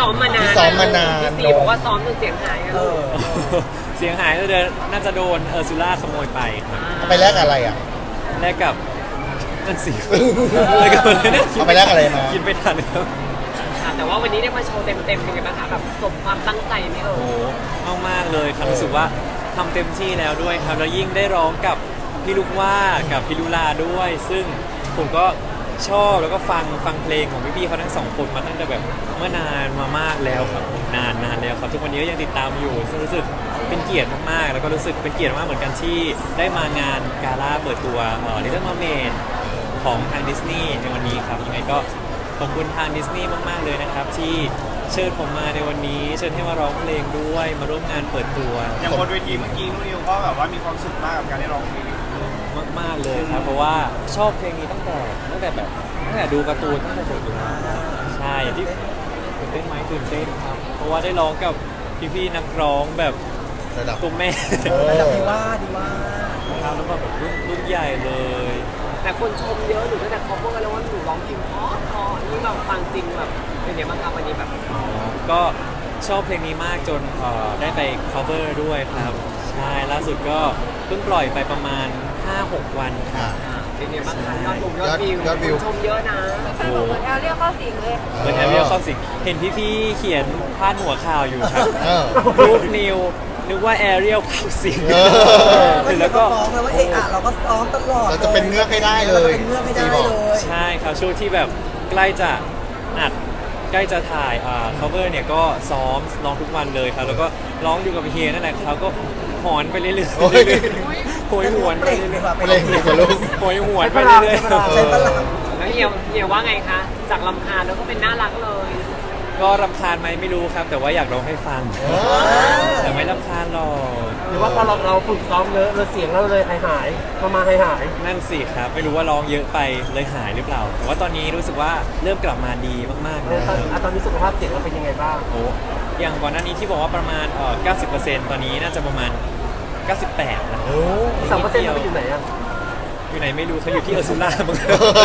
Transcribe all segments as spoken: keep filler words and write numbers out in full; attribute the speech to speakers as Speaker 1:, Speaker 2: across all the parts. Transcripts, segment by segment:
Speaker 1: ซ้อมมานาน
Speaker 2: ที่ซ้อมมานาน
Speaker 1: พี่ซีบอกว่าซ้อมจนเสียงหายกัน
Speaker 3: เออ
Speaker 4: เสียงหายน่าจะน่าจะโดนเออร์ซูล่าขโมยไปครับ
Speaker 2: เอาไปแลกอะไรอ่ะ
Speaker 4: แลกกับนั่นสิแลกกับอะไรเนี่ย
Speaker 2: เอาไปแลกอะไรมา
Speaker 4: กินไม่ทันครับ
Speaker 1: ค่ะแต่ว่าวันนี้ได้มาโชว์เต็มๆเป็นไงบ้างคะแบบสมความตั้งใจไหมเอ่
Speaker 4: โอ้
Speaker 1: ย
Speaker 4: โหมากๆเลยครับรู้สึกว่าทำเต็มที่แล้วด้วยครับแล้วยิ่งได้ร้องกับพี่ลูกว่ากับพี่ลุลาด้วย ซึ่งผมก็ชอบแล้วก็ฟังฟังเพลงของพี่ๆเขาทั้งสองคนมาตั้งแต่แบบเมื่อนานมามากแล้วครับนานนานแล้วครับทุกวันนี้ก็ยังติดตามอยู่ซึ่งรู้สึกเป็นเกียรติมากๆแล้วก็รู้สึกเป็นเกียรติมากเหมือนกันที่ได้มางานกาล่าเปิดตัวเอ่อ Little Mermaid ของทางดิสนีย์ในวันนี้ครับยังไงก็ขอบคุณทางดิสนีย์มากๆเลยนะครับที่เชิญผมมาในวันนี้เชิญให้มาร้องเพลงด้วยมาร่วมงานเปิดตัว
Speaker 5: อย่างบนเวทีเมื่อกี้นุ้ยนิวก็แบบว่ามีความสุขมากกับการได้ร้องเพลง
Speaker 4: มากๆเลยครับเพราะว่าชอบเพลงนี้ตั้งแต่ตั้งแต่แบบตั้งแต่ดูการ์ตูนตั้งแต่เด็กอยู่แล้วใช่อย่างที่ตื่นเต้นไหมตื่นเต้นครับเพราะว่าได้ร้องกับพี่ๆนักร้องแบบ
Speaker 2: ระดับ
Speaker 4: ตัวแม่
Speaker 2: เออ
Speaker 3: ระดับดีว่าดีว่า
Speaker 4: ครับแล้วก็แบบรุ่นรุ่นใหญ่เลย
Speaker 1: แต่คนชมเยอะหนูตั้งแต่เขาพูดกันแล้วว่าหนูร้องเพลงเพราะเพราะนี่แบบฟังจริงแบบเป็นไงบ้างคะวันนี้แบบ
Speaker 4: ก็ชอบเพลงนี้มากจนเอ่อได้ไป cover ด้วยครับใช่ล่าสุดก็เพิ่งปล่อยไปประมาณ ห้าหก วันครับ
Speaker 2: อ่า
Speaker 1: เป็นไงบ้างคะยอดดูยอดวิวย
Speaker 2: อดวิว
Speaker 1: คนชมเยอะนะ
Speaker 6: แฟนบอกเหมือนแอลเรียกเข้าสิงเลย
Speaker 4: เหมือนแอเรียลเข้าสิงเห็นพี่ๆเขียนพาดหัวข่าวอยู่ครับ
Speaker 2: เออ
Speaker 4: รูปนิวนึกว่าแอเรียลเข้าสิง
Speaker 2: เออ
Speaker 3: ก็
Speaker 4: เห็น
Speaker 3: แล้
Speaker 4: แล้ว ว
Speaker 3: ก็
Speaker 4: ก็
Speaker 3: ฟ้องเลยว่าเอะอะเราก็ซ้อมตลอด
Speaker 2: เราจะเป็นเงือกให้ได้เลย
Speaker 3: ราจะเป็นเงือกให้ได้เลย
Speaker 4: ใช่ครับช่วงที่แบบใกล้จะอัดใกล้จะถ่ายอ่า cover เนี่ยก็ซ้อมร้องทุกวันเลยครับแล้วก็ร้องอยู่กับเฮียนั่นแหละเขาก็หอนไปเรื่อยๆ
Speaker 2: โอ้ย
Speaker 4: โหยหวนไป
Speaker 3: เปล่ง
Speaker 4: เรื่
Speaker 3: ดี
Speaker 4: อย
Speaker 3: กว่า
Speaker 2: เพลงเด็กกับลูก
Speaker 4: ๆโหยหวนไป
Speaker 3: ใช้พลัง
Speaker 4: เรื่อย
Speaker 3: ใช้พลัง
Speaker 1: แล้วเฮียเฮียว่าไงคะจากลำคาญแล้วก็เป็นน่ารักเลย
Speaker 4: ๆก็รำคาญไหมไม่รู้ครับ แต่ว่าอยากร้องให้ฟัง
Speaker 2: เออ
Speaker 4: แต่ไม่รำคาญหรอก
Speaker 7: หรือว่าพอเราเราฝึกซ้อมเยอะเราเสียงเราเลยหายหายมามาหายหาย
Speaker 4: นั่นสิครับไม่รู้ว่าร้องเยอะไปเลยหายหรือเปล่าแต่ว่าตอนนี้รู้สึกว่าเริ่มกลับมาดีมากๆ
Speaker 7: เอ
Speaker 4: แล้
Speaker 7: อ
Speaker 4: ว
Speaker 7: ตอนอ่ะตอนนี้สุขภาพเสียงเราเป็นยังไงบ้าง
Speaker 4: โอ้อย่างก่อนหน้านี้ที่บอกว่าประมาณเอ่อเก้าสิบเปอร์เซ็นต์ ตอนนี้น่าจะประมาณ เก้าสิบแปดแล้ว
Speaker 2: โอ้
Speaker 7: สามเปอร์เซ็นต์เราไปอยู่ไหนอ่ะ
Speaker 4: อยู่ไหนไม่รู้เขาอยู่ที่เออร์ซูล่ามั้ง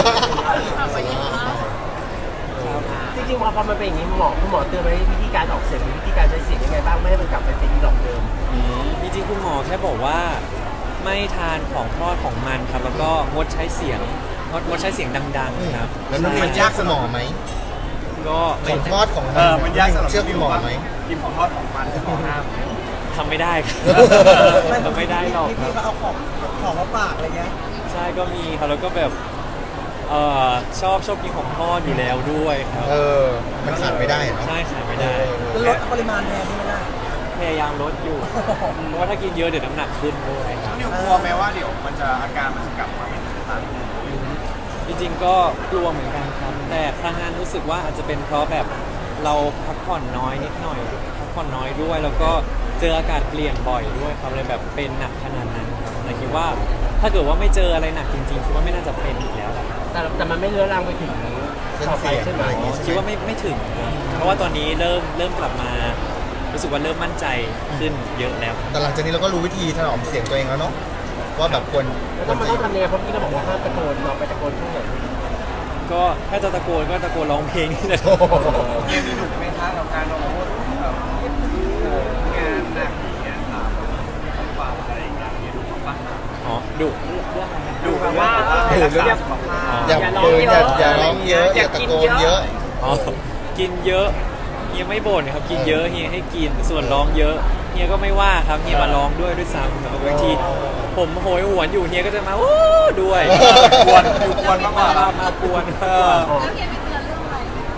Speaker 7: จริงๆพอพอมันเป็นอย่างนี้หมอคุณหมอเตือนไว้วิธีการออกเสียงหรือวิธีการใช้เสียงยังไงบ้างไม่ให้มันกลับไปเป็นอีหลอกเดิม
Speaker 4: อืมจริงๆคุณหมอแค่บอกว่าไม่ทานของทอดของมันครับ แล้วก็งดใช้เสียงงดงดใช้เสียงดังๆครับ
Speaker 2: แล้วนุ่นมันยากสมองไหม
Speaker 4: ก็
Speaker 2: ข
Speaker 4: ไม่
Speaker 2: องทอดของ
Speaker 5: เออมันยากสำหรับ
Speaker 2: เชื่อคุณหมอไหม
Speaker 5: กินของทอดของมันที่ของห้าม
Speaker 4: ทำไม่ได้ครับทำไม่ได้หรอกค
Speaker 3: พี่
Speaker 4: รับ
Speaker 3: ๆเขาเอาของของมาฝากอะไรเงี้ย
Speaker 4: ใช่ก็มีครับแล้วก็แบบเอ่อชอบชอบกินของทอดอยู่แล้วด้วยครับ
Speaker 2: เออ มันขาดไม่ได้เนาะ
Speaker 4: ใช่ขาดไม่ได้
Speaker 3: แล้วลดปริมาณแทนที่ไม่ได้
Speaker 4: พยายามลดอยู่ เพราะว่าถ้ากินเยอะเดี๋ยวน้ำหนักขึ้นด้วยครับ
Speaker 5: นิวกลัวไหมว่าเดี๋ยวมันจะอาการมันจะกลับมาเป็นเหมือนเดิม
Speaker 4: จริงๆก็กลัวเหมือนกันครับ แต่ครั้งนั้นรู้สึกว่าอาจจะเป็นเพราะแบบเราพักผ่อนน้อยนิดหน่อยพักผ่อนน้อยด้วย แล้วก็เจออากาศเปลี่ยนบ่อยด้วยครับเลยแบบเป็นหนักขนาดนั้นครับเลยคิดว่าถ้าเกิดว่าไม่เจออะไรหนักจริงๆคิดว่าไม่น่าจะเป็นอีกแล้วแหละ
Speaker 7: แต่แต่มันไม่เลื้อรังไปถึง
Speaker 2: เส้น
Speaker 7: ต่อ
Speaker 2: เสี
Speaker 7: ไป
Speaker 2: ยง
Speaker 7: ใช่ไหม
Speaker 2: อะไรอย่างงี้
Speaker 4: คิดว่าไม่ไม่ถึงครับเพราะว่าตอนนี้เริ่มเริ่มกลับมา รู้สึกว่าเริ่มมั่นใจขึ้นเยอะแล้ว
Speaker 2: แต่หลังจากนี้เราก็รู้วิธีถนอมเสียงตัวเองแล้วเนาะว่าแบบควร
Speaker 7: แล้ว
Speaker 2: คว
Speaker 7: ถ้าร มัน
Speaker 2: จะ
Speaker 7: ต้องทำยังไงเพราะพี่เราบอกว่าห้ามตะโกนเราไปตะโกนช่วงไหน
Speaker 4: ก็ถ้าจะตะโกนก็ตะโกนร้องเพลงนี่แหละ
Speaker 2: โอ้โห
Speaker 5: เกมนี้หนุกไหมคะกับการลงโทษแบบเอ่องานหนักอย่างเงี้ยครับฝากอะไรอย่างเงี้ยดูของบ้าน
Speaker 4: อ๋อดุเรื่องอะไรนะ
Speaker 5: ดูแบบว่า
Speaker 2: เออ
Speaker 5: รักษาสุขภาพ
Speaker 2: อย่าเกินอย่าอย่าร้องเยอะ อย่าตะโกนเยอะ
Speaker 4: อ๋อกินเยอะเฮียไม่บ่นครับกินเยอะเฮียให้กินส่วนร้องเยอะเฮียก็ไม่ว่าครับเฮียมาร้องด้วยด้วยซ้ำแต่บางทีผมโหยหวนอยู่เฮียก็จะมาโอ้ด้วย
Speaker 5: กวนอยู่กวนมากกว่า
Speaker 4: มามากวนเออ
Speaker 6: แล้วเฮียไปเตือนเรื่องอะไร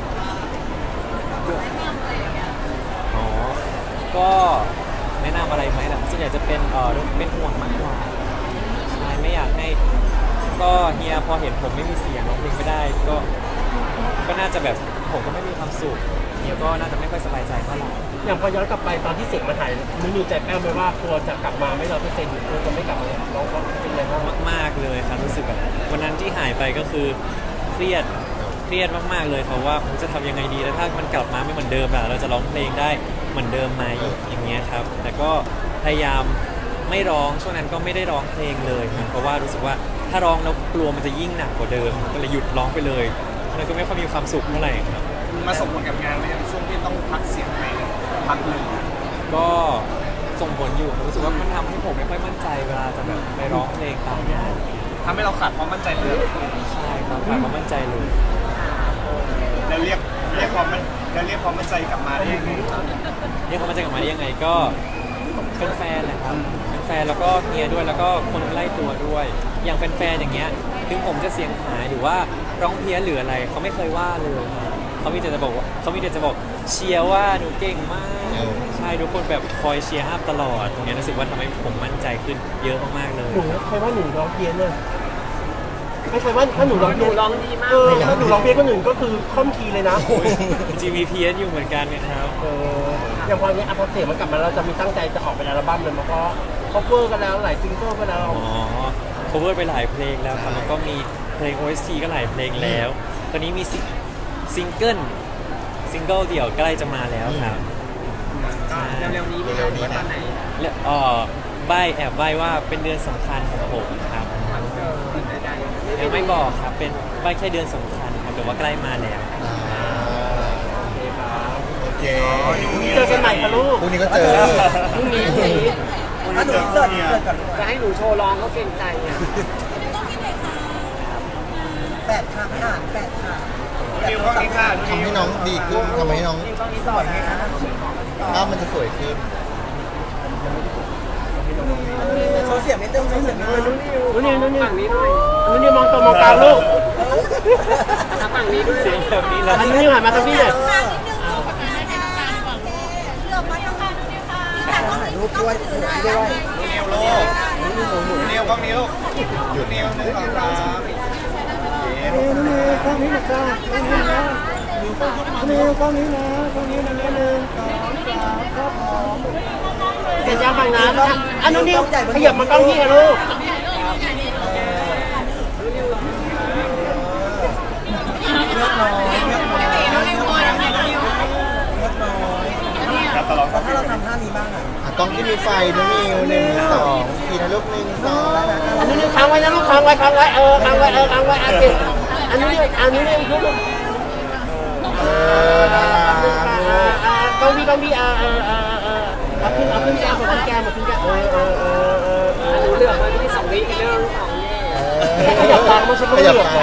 Speaker 6: แนะนำอะไรอย่างเงี้ย
Speaker 4: อ๋อก็แนะนำอะไรไหมล่ะส่วนใหญ่จะเป็นเออเป็นห่วงมากกว่าใช่ไม่อยากให้ก็เฮียพอเห็นผมไม่มีเสียงร้องเพลงไม่ได้ก็ก็น่าจะแบบผมก็ไม่มีความสุขเฮียก็น่าจะไม่ค่อยสบายใจเท่าไหร่
Speaker 7: อย่างพอย้อนกลับไปตอนที่เสียงมันหายนึกอยู่ใจแป้วไหมว่ากลัวจะกลับมาไม่ร้อยเปอร์เซ็นต์หรือกลัวจะไม่กลับมาร้องเพราะเป็นไงบ้าง
Speaker 4: มากๆเลยครับรู้สึกแบบวันนั้นที่หายไปก็คือเครียดเครียดมากๆเลยครับว่าผมจะทำยังไงดีแล้วถ้ามันกลับมาไม่เหมือนเดิมล่ะเราจะร้องเพลงได้เหมือนเดิมไหมอย่างเงี้ยครับแต่ก็พยายามไม่ร้องช่วงนั้นก็ไม่ได้ร้องเพลงเลยครับเพราะว่ารู้สึกว่าถ้าร้องแล้วกลัวมันจะยิ่งหนักกว่าเดิมก็เลยหยุดร้องไปเลยแล้วก็ไม่ค่อยมีความสุขเท่าไหร่ครับ
Speaker 5: มาส่งผลกับงานไหมช่วงที่ต้องพัก
Speaker 4: อยู่ผมรู้สึกว่ามันทำให้ผมไม่ค่อยมั่นใจเวลาจะแบบไปร้องเพลงตามงาน
Speaker 5: ทำให้เราขาดความมั่นใจเลย
Speaker 4: ใช่ครับขาดความมั่นใจเลย
Speaker 5: แล้วเรียกเรียกความมั่นแล้วเรียกความมั่นใจกลับมาได้ยังไง
Speaker 4: เรียกความมั่นใจกลับมาได้ยังไงก็เป็นแฟนแหละครับเป็นแฟนแล้วก็เฮียด้วยแล้วก็คนใกล้ตัวด้วย อย่างแฟนๆอย่างเงี้ยถึงผมจะเสียงหายหรือว่าร้องเพี้ยนหรืออะไรเขาไม่เคยว่าเลยเขามีแต่จะบอกว่าเขามีแต่จะบอกเชียร์ว่าหนูเก่งมาก ใช่ทุกคนแบบคอยเชียร์อัพตลอดตรงเนี้ยรู้สึกว่าทำให้ผมมั่นใจขึ้นเยอะมากๆเลย
Speaker 7: หนูเคยว่าหนูร้องเพี้ยนเลยไม่เคยว่าถ้าหนูร้อง
Speaker 1: ห
Speaker 7: เพี้
Speaker 1: นู
Speaker 7: ยน
Speaker 1: ร้องดีมาก
Speaker 7: เออถ้าหนูร้องเพี้ยนคนอื่นก็คือค่อมคีย์เลยนะ
Speaker 4: จริงๆมีเพี้ยนอยู่เหมือนกันนะครับ
Speaker 7: เอออย่างพอเนี้ยอ่ะพอเสียงมันกลับมาเราจะมีตั้งใจจะออกเป็นอัลบั้มเลยมันก็คอเวอร์กันแล้วหลายซิงเกิลกันแล้ว
Speaker 4: อ๋อ cover ไปหลายเพลงแล้วครับแล้วก็มีเพลง โอ เอส ที ก็หลายเพลงแล้ว ตอนนี้มีซิซิงเกิลซิงเกิลเดี่ยวใกล้จะมาแล้วครับ
Speaker 1: เร็วๆนี้มีงานว่าตอนไหน
Speaker 4: และเอ่อใบแอบใบว่าเป็นเดือนสำคัญของผมครับ
Speaker 1: วันเกิดใดๆ
Speaker 4: ยังไม่บอกครับเป็นใบแค่เดือนสำคัญครับแต่ว่าใกล้มาแล้ว
Speaker 2: อ่าโอเค
Speaker 7: เจอกันใหม่ค่ะลูก
Speaker 2: พรุ่งนี้ก็เจอ
Speaker 7: พรุ่งนี้พรุ่งนี้
Speaker 3: อ่ะหนูเสิร์ฟเสิร์ฟก่อนลูก
Speaker 1: จะให้หนูโชว์ร้องก็เกรงใจอ่ะ
Speaker 3: แปดค่ะอ่านแปดค่ะ
Speaker 5: นิวกล้องนี้ค่ะ
Speaker 2: ทำให้น้องดีขึ้นทำให้น้อง
Speaker 3: กล้องนี้สวยไงคะ
Speaker 2: ภาพมันจะสวยขึ้น
Speaker 3: โชว์เสียงนิดนึงโชว์เสียงนิดนึง
Speaker 7: นู่นนี่นู่นนี่
Speaker 1: ฝั่งนี้หน่อย
Speaker 7: นู่นนี่มองตัวมองกลางลูก
Speaker 1: ทำฝั่งนี้ด้วย
Speaker 4: เสียงแบบนี้นะ
Speaker 7: อันนี้หันมาทางพี่เลย
Speaker 3: ถ่ายรูปด้วยถือด้วย
Speaker 5: นิวโลกนิวกล้องนี้ลูกหยุดนิวหนึ่งสองสาม
Speaker 7: นี่นี่กล้องนี้นะจ้ากล้องนี้นะนี่กล้องนี้นะกล้องนี้นะกล้องนี้นะหนึ่งสองสามครับผมเสร็จยังฝั่งนั้นอันนู้นนี่ขยับมากล้องพี่ค่ะลูก
Speaker 3: เลือกน้อยเลือกน้อยเลือกน้อย
Speaker 5: ครับตลอด
Speaker 3: แล้วถ้าเราทำท่านี้บ้างอ่ะ
Speaker 2: อ่ะกล้องที่มีไฟน้องนิวหนึ่งสองทีนะลูกหนึ่งสอง
Speaker 7: อันนู้นนี่ค้างไว้นะลูกค้างไว้ค้างไว้เออค้างไว้เออค้างไว้อันนี้อันนู้นนี่อันนู้นนี่ลูก
Speaker 2: เออน่ารักลูก
Speaker 7: กล้องพี่กล้องพี่เออเออเออเออเอาขึ้นเอาขึ้นแก้มเอาขึ้นแก้มเอาขึ้นแก้มเออเออเออเออเออ
Speaker 1: หนูเหลือมาที่สองวิเรื่องสองเย่
Speaker 7: ขยับตามมาใช่ไหม
Speaker 2: ขยับตาม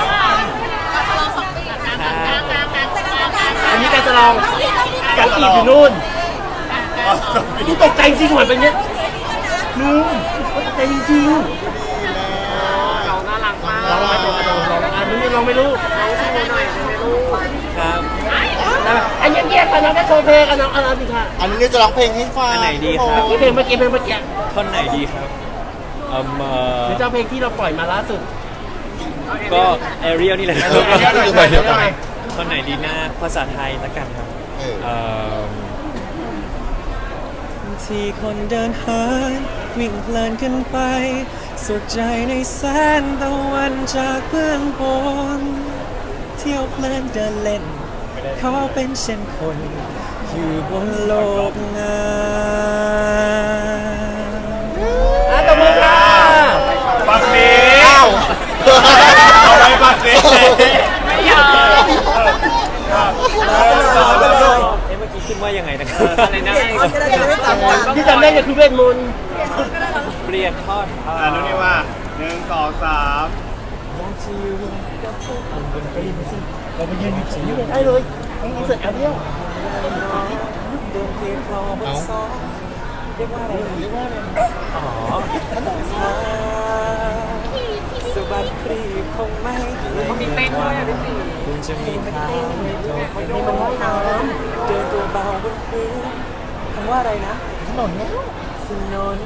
Speaker 7: อันนี้การจะลองการตีอยู่นู่นนี่ตกใจจริงเหมือนเป็นเนี้ยนู่นตกใจจริง
Speaker 1: เราน่ารักมาก
Speaker 7: ๆลองมาตัวลองลองอันนี้ลองไม่รู้
Speaker 1: น้องโชว์หน่อยได้ไหมลูก
Speaker 4: ครับ
Speaker 7: อันนี้แยกกันน้องได้โชว์เพลงกันน้องเอาสิค่ะ
Speaker 2: อันนี้จะร้องเพลงให้ฟัง
Speaker 4: อันไหนดีครับ
Speaker 7: เพลงเมื่อกี้เพลงเมื่อกี้
Speaker 4: ท่อนไหนดีครับเอ่มเอ่อ
Speaker 7: หรือเจ้าเพลงที่เราปล่อยมาล่าสุด
Speaker 4: ก็แอเรียลนี่แหละครับ
Speaker 2: เออเดี๋ยวเดี๋ยวเดี๋ยว
Speaker 4: ท่อนไหนดีนะภาษาไทยละกันครับ
Speaker 2: เออ
Speaker 4: เอ่อที่คนเดินหายวิ่งเพลินขึ้นไปสุขใจในแสงตะวันจากเบื้องบนเที่ยวเพลินเดินเล่นเขาเป็นเช่นคนอยู่บนโลกงาม
Speaker 7: อ่ะตบมือค่ะ
Speaker 5: บักเนี้
Speaker 2: อ้าว
Speaker 5: เอาไว้บักเนี้
Speaker 1: ไม่ยอม
Speaker 4: เอ๊ะเมื่อกี้ขึ้นว่ายังไงนะครับ
Speaker 1: อะไรนะ
Speaker 3: ก็ได้จะไม่ตามกัน
Speaker 7: ที่จำได้เนี่ยคือเวทมนต์
Speaker 4: เปลี่ยนทอด
Speaker 5: อ่านุนี่ว่าหนึ่งสองสาม
Speaker 7: เราไปยืนอยู่ตรงนี้ได้เลยอินเสิร์ตเอาเดียว
Speaker 4: เดินเพียงคลอบนซอกเรียกว่าอะไรเรียกว่าอะไรอ๋อสบัดครีบคงไม่
Speaker 1: เขามีเต้นด้วยอ่ะพี่ตี
Speaker 4: คุณจะมีทางไม่โดนไม่โดนมันว่ายน้ำเดินตัวเบาบนพื้นคำว่าอะไรนะ
Speaker 2: ถนนแล้ว
Speaker 4: ถนน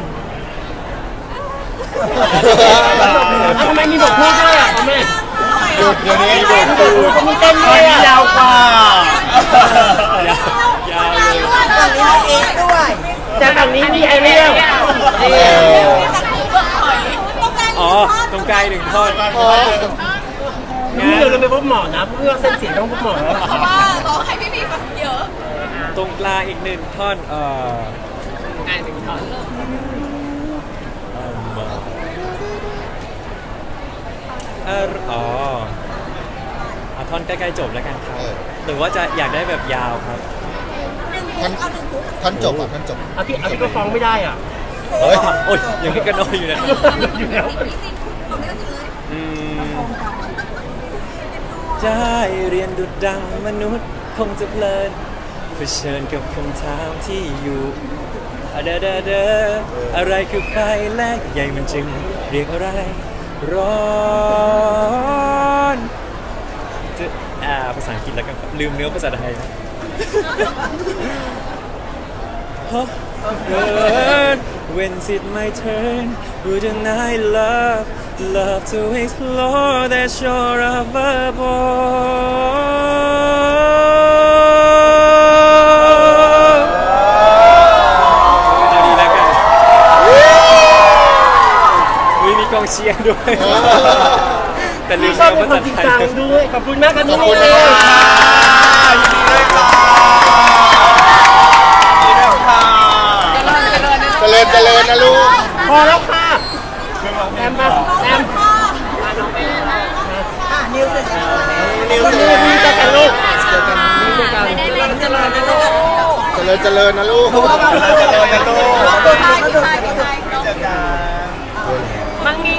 Speaker 7: ทำไมมีบทพูดด้วยอ่ะพ่อแม่
Speaker 2: หยุดเดี๋ยวนี้หยุด
Speaker 7: ก็มีเต้นด้วยอ่ะ
Speaker 5: ยาวกว่า
Speaker 4: ยาวยาวเลย
Speaker 3: ฝั่งนี้มีเอ็กซ์ด้วย
Speaker 7: แต่ฝั่งนี้มีไอเรียล
Speaker 4: อ๋อตรงกลางหนึ่งท่อน
Speaker 7: นี่เราเลยไปพบหมอนะเพื่อเส้นเสียงต้องพบหมอแล้ว
Speaker 6: เพราะว่าร้องให้พี่ๆฟังเยอะ
Speaker 4: ตรงกลางอีกหนึ่งท่อนเอ่อ
Speaker 1: ง่ายหนึ่งท่อน
Speaker 4: เอิ่มเอ่ออ๋อเอาท่อนใกล้ๆจบแล้วกันครับ หรือว่าจะอยากได้แบบยาวครับ
Speaker 6: ห
Speaker 2: ท่านท่านจบอ่ะท่านจบ
Speaker 7: อ่ะพี่อ่ะพี่ก็ฟ้องไม่ได้อ่ะ
Speaker 2: เฮ้ย
Speaker 4: โอ้ยยังมีกันน้อยอยู่นะ
Speaker 7: อยู่แล้ว
Speaker 4: อืมได้เรียนดุดดังมนุษย์คงจะเพลินเผชิญกับคำถามที่อยู่อะเดอเดอเดออะไรคือไฟแลกใหญ่มันจึงเรียกอะไร ร้อนจะอ่าภาษาอังกฤษแล้วกันครับลืมเนื้อภาษาไทย Huh? Burn when's it my turn? Wouldn't I love, love to explore that shore of a boy? เอาดีแล้วกันอุ๊ยมีกองเชียร์ด้วย แต่ลื
Speaker 7: พี่
Speaker 4: ม
Speaker 7: ชอบ
Speaker 4: เนื้อ
Speaker 7: เป็น
Speaker 4: ภา
Speaker 7: ค
Speaker 4: ษาน
Speaker 7: จริง
Speaker 4: ไทย
Speaker 7: จังด้วยขอบคุณมากครับ
Speaker 2: ข
Speaker 7: น้
Speaker 2: อ
Speaker 7: อบ ง
Speaker 2: คุณ
Speaker 7: นิ
Speaker 2: นะ
Speaker 7: ว
Speaker 2: คะยินดีด้วยค่ะยินดีด้วยค่ะเจริญเจริญนะลูก
Speaker 7: พอแล้วค่ะแอมมาแอม
Speaker 3: อ่ะนิวเสร็จแล้ว
Speaker 2: นิวเจ
Speaker 7: นิ
Speaker 2: ริ
Speaker 7: ว
Speaker 2: ญ
Speaker 7: มีเจอกันลูก
Speaker 2: เจอกัน
Speaker 7: มีเจอกัน
Speaker 3: เจริญเจริญนะลูก
Speaker 2: เจริญเจริญนะลูกเจริญนะลูก
Speaker 3: ขอบคุณค่ะขอบคุณค่ะ
Speaker 2: เจอกัน
Speaker 1: มั่งมี